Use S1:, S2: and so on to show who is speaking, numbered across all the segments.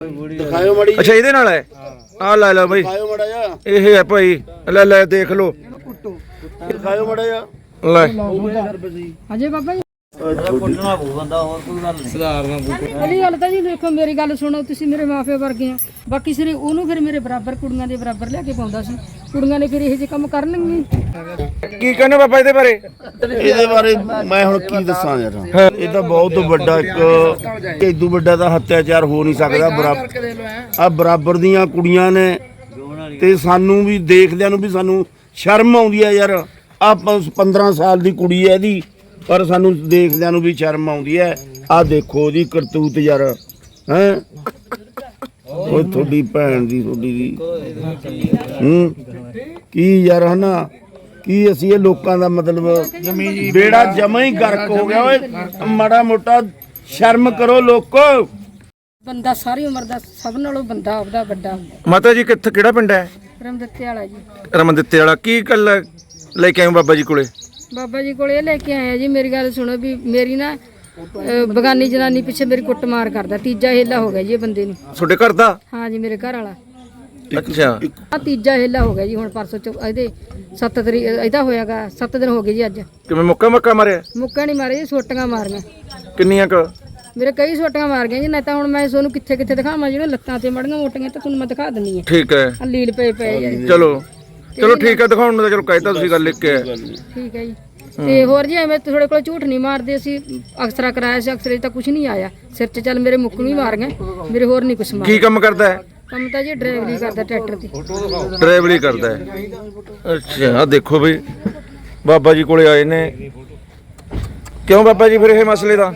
S1: ਦਿਖਾਇਓ ਮੜੀ।
S2: ਅੱਛਾ ਇਹਦੇ ਨਾਲ ਹੈ ਆ ਲੈ ਲਓ ਬਈ
S1: ਦਿਖਾਇਓ ਮੜਾ ਜਾ
S2: ਇਹ ਹੈ ਭਾਈ ਲੈ ਲੈ ਦੇਖ ਲਓ
S1: ਦਿਖਾਇਓ ਮੜਾ ਜਾ
S2: ਲੈ
S3: ਅਜੇ ਬਾਬਾ ਜੀ
S4: ਕੁੱਟਣਾ ਪਊ ਬੰਦਾ, ਹੋਰ ਕੋਈ ਗੱਲ ਨਹੀਂ। ਸੁਧਾਰਨਾ
S3: ਪਹਿਲੀ ਗੱਲ ਤਾਂ ਜੀ ਦੇਖੋ ਮੇਰੀ ਗੱਲ ਸੁਣੋ, ਤੁਸੀਂ ਮੇਰੇ ਮਾਪੇ ਵਰਗੇ ਆ। ਬਾਕੀ ਸਿਰੇ ਉਹਨੂੰ ਫਿਰ ਮੇਰੇ ਬਰਾਬਰ ਕੁੜੀਆਂ ਦੇ ਬਰਾਬਰ ਲਿਆ ਕੇ ਪਾਉਂਦਾ ਸੀ। ਕੁੜੀਆਂ ਨੇ ਫਿਰ ਇਹੋ ਜਿਹੇ ਕੰਮ ਕਰਨਗੇ।
S2: ਕੀ ਕਹਿੰਦੇ ਬਾਬਾ ਇਹਦੇ ਬਾਰੇ?
S1: ਇਹਦੇ ਬਾਰੇ ਮੈਂ ਹੁਣ ਕੀ ਦੱਸਾਂ ਯਾਰ, ਇਹ ਤਾਂ ਬਹੁਤ ਵੱਡਾ ਇੱਕ ਇਦੋਂ ਵੱਡਾ ਤਾਂ ਹੱਤਿਆਚਾਰ ਹੋ ਨਹੀਂ ਸਕਦਾ। ਬਰਾਬਰ ਦੀਆਂ ਕੁੜੀਆਂ ਨੇ ਤੇ ਸਾਨੂੰ ਵੀ ਦੇਖਦਿਆਂ ਨੂੰ ਵੀ ਸਾਨੂੰ ਸ਼ਰਮ ਆਉਂਦੀ ਹੈ ਯਾਰ। ਆ 15 ਸਾਲ ਦੀ ਕੁੜੀ ਹੈ ਇਹਦੀ, ਪਰ ਸਾਨੂੰ ਦੇਖਦਿਆਂ ਨੂੰ ਵੀ ਸ਼ਰਮ ਆਉਂਦੀ ਹੈ। ਆ ਦੇਖੋ ਉਹਦੀ ਕਰਤੂਤ ਯਾਰ, ਹੈ ਉਹ ਤੁਹਾਡੀ ਭੈਣ ਦੀ ਤੁਹਾਡੀ ਦੀ ਕੀ ਯਾਰ ਹਨਾ, ਕੀ ਅਸੀਂ ਇਹ ਲੋਕਾਂ ਦਾ ਮਤਲਬ ਬੇੜਾ ਜਮਾ ਹੀ ਗਰਕ ਹੋ ਗਿਆ। ਓਏ ਮਾੜਾ ਮੋਟਾ ਸ਼ਰਮ ਕਰੋ ਲੋਕੋ।
S3: ਬੰਦਾ ਸਾਰੀ ਉਮਰ ਦਾ ਸਭ ਨਾਲੋਂ ਬੰਦਾ ਆਪਦਾ ਵੱਡਾ ਹੁੰਦਾ।
S2: ਮਾਤਾ ਜੀ ਕਿੱਥੇ ਕਿਹੜਾ ਪਿੰਡ ਹੈ?
S3: ਰਮਦਿੱਤੇ ਵਾਲਾ ਜੀ।
S2: ਰਮਨ ਦਿੱਤੇ ਵਾਲਾ। ਕੀ ਗੱਲ ਲੈ ਕੇ ਆਏ ਬਾਬਾ ਜੀ ਕੋਲੇ?
S3: ਬਾਬਾ ਜੀ ਕੋਲ ਇਹ ਲੈ ਕੇ ਆਇਆ ਜੀ। ਮੇਰੀ ਗੱਲ ਸੁਣੋ ਵੀ ਮੇਰੀ ਨਾ ਬਗਾਨੀ ਜਨਾਨੀ ਪਿੱਛੇ ਮੇਰੀ ਕੁੱਟਮਾਰ ਕਰਦਾ। ਤੀਜਾ ਹੀਲਾ ਹੋ ਗਿਆ ਜੀ ਇਹ ਬੰਦੇ ਨੂੰ।
S2: ਤੁਹਾਡੇ ਘਰ ਦਾ?
S3: ਹਾਂ ਜੀ ਮੇਰੇ ਘਰ ਵਾਲਾ।
S2: ਅੱਛਾ
S3: ਆ ਤੀਜਾ ਹੀਲਾ ਹੋ ਗਿਆ ਜੀ। ਹੁਣ ਪਰਸੋਂ ਇਹਦੇ 7 ਤਰੀਕ ਇਹਦਾ ਹੋਇਆਗਾ 7 ਦਿਨ ਹੋ ਗਏ ਜੀ। ਅੱਜ
S2: ਕਿਵੇਂ ਮੁੱਕਾ ਮਾਰਿਆ?
S3: ਮੁੱਕਾ ਨਹੀਂ ਮਾਰੇ ਜੀ, ਸੋਟੀਆਂ ਮਾਰੀਆਂ।
S2: ਕਿੰਨੀਆਂ ਕ?
S3: ਮੇਰੇ ਕਈ ਸੋਟੀਆਂ ਮਾਰ ਗਈਆਂ ਜੀ। ਨਹੀਂ ਤਾਂ ਹੁਣ ਮੈਂ ਤੁਹਾਨੂੰ ਕਿੱਥੇ ਕਿੱਥੇ ਦਿਖਾਵਾਂ, ਜਿਹੜੇ ਲੱਤਾਂ ਤੇ ਮੜੀਆਂ ਮੋਟੀਆਂ ਤਾਂ ਤੁਹਾਨੂੰ ਮੈਂ ਦਿਖਾ ਦਿੰਨੀ ਆ।
S2: ਠੀਕ ਹੈ
S3: ਆ ਲੀਲ ਪਏ ਯਾਰ।
S2: ਚਲੋ ਠੀਕ ਹੈ, ਦਿਖਾਉਣ ਨੂੰ ਤਾਂ ਚਲੋ ਕਹਿਤਾ ਤੁਸੀਂ ਗੱਲ ਲਿਖ ਕੇ।
S3: ਠੀਕ ਹੈ ਜੀ। ਤੇ ਹੋਰ ਜੀ ਐਵੇਂ ਤੁਹਾਡੇ ਕੋਲ ਝੂਠ ਨਹੀਂ ਮਾਰਦੇ। ਅਸੀਂ ਅਕਸਰਾ ਕਰਾਇਆ ਸੀ, ਅਕਸਰੇ ਤਾਂ ਕੁਝ ਨਹੀਂ ਆਇਆ ਸਿਰ 'ਚ। ਚੱਲ ਮੇਰੇ ਮੁੱਕ ਵੀ ਮਾਰ ਗਏ, ਮੇਰੇ ਹੋਰ ਨਹੀਂ ਕੁਛ ਮਾਰ।
S2: ਕੀ ਕੰਮ ਕਰਦਾ ਹੈ?
S3: ਕੰਮ ਤਾਂ ਜੀ ਡਰਾਈਵਰੀ ਕਰਦਾ ਟਰੈਕਟਰ ਦੀ।
S2: ਡਰਾਈਵਰੀ ਕਰਦਾ ਹੈ। ਅੱਛਾ ਆ ਦੇਖੋ ਬਈ ਬਾਬਾ ਜੀ ਕੋਲੇ ਆਏ ਨੇ। ਕਿਉਂ ਬਾਬਾ ਜੀ ਫਿਰ ਇਹ ਮਸਲੇ ਦਾ?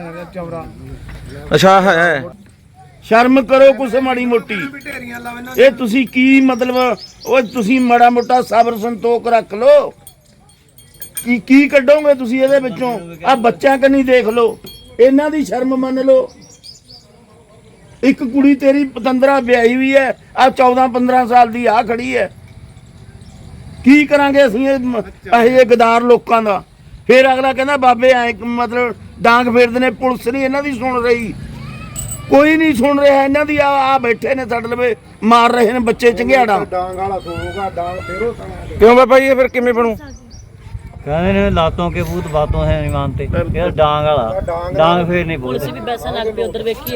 S2: ਅੱਛਾ ਹੈ।
S1: ਸ਼ਰਮ ਕਰੋ ਕੁਛ ਮਾੜੀ ਮੋਟੀ। ਇਹ ਤੁਸੀਂ ਕੀ ਮਤਲਬ, ਉਹ ਤੁਸੀਂ ਮਾੜਾ ਮੋਟਾ ਸਬਰ ਸੰਤੋਖ ਰੱਖ ਲੋ। ਕੀ ਕੱਢੋਗੇ ਤੁਸੀਂ ਇਹਦੇ ਵਿੱਚੋਂ? ਆ ਬੱਚਿਆਂ ਕੰਨੀ ਦੇਖ ਲੋ, ਇਹਨਾਂ ਦੀ ਸ਼ਰਮ ਮੰਨ ਲੋ। ਇੱਕ ਕੁੜੀ ਤੇਰੀ ਪਤੰਦਰਾ ਵਿਆਹੀ ਵੀ ਹੈ, ਆ 14-15 ਸਾਲ ਦੀ ਆ ਖੜੀ ਹੈ। ਕੀ ਕਰਾਂਗੇ ਅਸੀਂ ਇਹ ਗਦਾਰ ਲੋਕਾਂ ਦਾ? ਫਿਰ ਅਗਲਾ ਕਹਿੰਦਾ ਬਾਬੇ ਐ ਮਤਲਬ ਡਾਂਗ ਫੇਰਦੇ ਨੇ। ਪੁਲਿਸ ਨਹੀਂ ਇਹਨਾਂ ਦੀ ਸੁਣ ਰਹੀ, ਕੋਈ ਨਹੀਂ ਸੁਣ ਰਿਹਾ ਇਹਨਾਂ ਦੀ। ਆ ਬੈਠੇ ਨੇ ਸਾਡੇ ਲਵੇ ਮਾਰ ਰਹੇ ਨੇ ਬੱਚੇ ਚੰਗਿਆੜਾ।
S2: ਕਿਉਂ ਬਾਬਾ ਜੀ ਫਿਰ ਕਿਵੇਂ ਬਣੂ?
S4: कहने ने लातों के भूत बातों है नहीं मानते। यार डांग वाला डांग फिर नहीं बोलते।
S3: ਵੀ ਪੈਸਾ ਲੱਗ ਪਿਆ ਉਧਰ ਵੇਖੀਏ।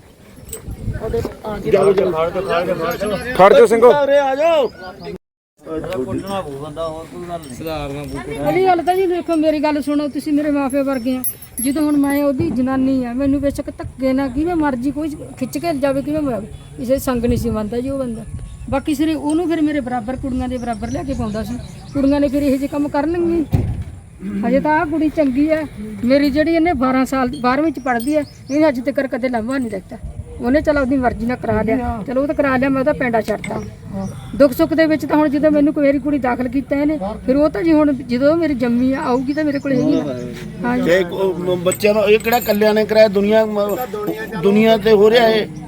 S2: ਖੜ ਜਾਓ ਸਿੰਘੋ।
S1: ਆ ਜਾਓ।
S4: ਕੁੱਟਣਾ ਪਊ ਬੰਦਾ, ਹੋਰ ਕੋਈ ਗੱਲ ਨਹੀਂ। ਸੁਧਾਰਨਾ ਪਊ।
S3: ਪਹਿਲੀ ਗੱਲ ਤਾਂ ਜੀ ਦੇਖੋ ਮੇਰੀ ਗੱਲ ਸੁਣੋ, ਤੁਸੀਂ ਮੇਰੇ ਮਾਪੇ ਵਰਗੇ ਆ। ਜਦੋਂ ਹੁਣ ਮੈਂ ਉਹਦੀ ਜਨਾਨੀ ਆ, ਮੈਨੂੰ ਬੇਸ਼ੱਕ ਧੱਕੇ ਨਾ ਕਿਵੇਂ ਮਰਜੀ ਕੋਈ ਖਿੱਚ ਕੇ ਜਾਵੇ, ਕਿਵੇਂ ਜਾਵੇ, ਕਿਸੇ ਸੰਗ ਨਹੀਂ ਸੀ ਮੰਨਦਾ ਜੀ ਉਹ ਬੰਦਾ। ਬਾਕੀ ਸਿਰੇ ਉਹਨੂੰ ਫਿਰ ਮੇਰੇ ਬਰਾਬਰ ਕੁੜੀਆਂ ਦੇ ਬਰਾਬਰ ਲਿਆ ਕੇ ਪਾਉਂਦਾ ਸੀ। ਕੁੜੀਆਂ ਨੇ ਫਿਰ ਇਹੋ ਜਿਹੇ ਕੰਮ ਕਰਨਗੇ। ਹਜੇ ਤਾਂ ਆਹ ਕੁੜੀ ਚੰਗੀ ਹੈ ਮੇਰੀ, ਜਿਹੜੀ ਇਹਨੇ 12 ਸਾਲ 12ਵੀਂ ਚ ਪੜ੍ਹਦੀ ਹੈ। ਇਹਨੇ ਅੱਜ ਤੱਕ ਕਦੇ ਲਾਂਭਾ ਨਹੀਂ ਦਿੱਤਾ। ਉਹਨੇ ਚਲ ਆਪਣੀ ਮਰਜ਼ੀ ਨਾਲ ਕਰਾ ਲਿਆ, ਚਲੋ ਉਹ ਤਾਂ ਕਰਾ ਲਿਆ, ਮੈਂ ਉਹਦਾ ਪੈਂਡਾ ਛੱਡਤਾ। ਦੁੱਖ ਸੁੱਖ ਦੇ ਵਿੱਚ ਤਾਂ ਹੁਣ ਜਦੋਂ ਮੈਨੂੰ ਮੇਰੀ ਕੁੜੀ ਦਾਖਲ ਕੀਤਾ ਇਹਨੇ, ਫਿਰ ਉਹ ਤਾਂ ਜੀ ਹੁਣ ਜਦੋਂ ਮੇਰੀ ਜੰਮੀ ਆਊਗੀ ਤਾਂ ਮੇਰੇ ਕੋਲ ਹੈਗੀ ਨਾ। ਹਾਂ ਜੀ
S1: ਬੱਚਿਆਂ ਨੂੰ ਇਹ ਕਿਹੜਾ ਕੱਲਿਆਂ ਨੇ ਕਰਾਇਆ, ਦੁਨੀਆ ਤੇ ਹੋ ਰਿਹਾ ਇਹ।